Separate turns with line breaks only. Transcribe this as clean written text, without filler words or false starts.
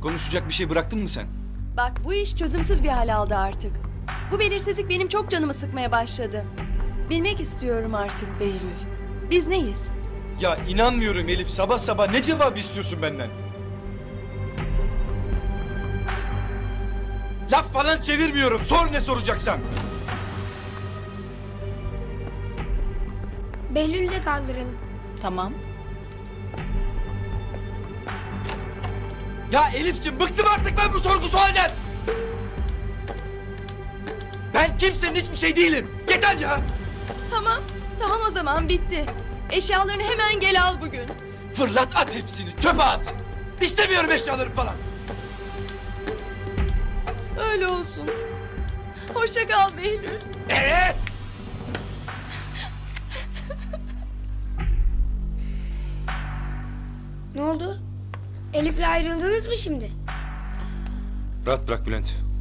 Konuşacak bir şey bıraktın mı sen?
Bak bu iş çözümsüz bir hal aldı artık. Bu belirsizlik benim çok canımı sıkmaya başladı. Bilmek istiyorum artık Behlül. Biz neyiz?
Ya inanmıyorum Elif. Sabah sabah ne cevap istiyorsun benden? Laf falan çevirmiyorum. Sor ne soracaksan.
Behlül'ü de kaldıralım.
Tamam.
Ya Elif'ciğim bıktım artık ben bu sorgu sualden. Ben kimsenin hiçbir şey değilim. Yeter ya.
Tamam. Tamam o zaman bitti. Eşyalarını hemen gel al bugün.
Fırlat at hepsini. Çöpe at. İstemiyorum eşyalarım falan.
Öyle olsun. Hoşça kal Behlül.
Ne oldu? Elif'le ayrıldınız mı şimdi?
Rahat bırak Bülent.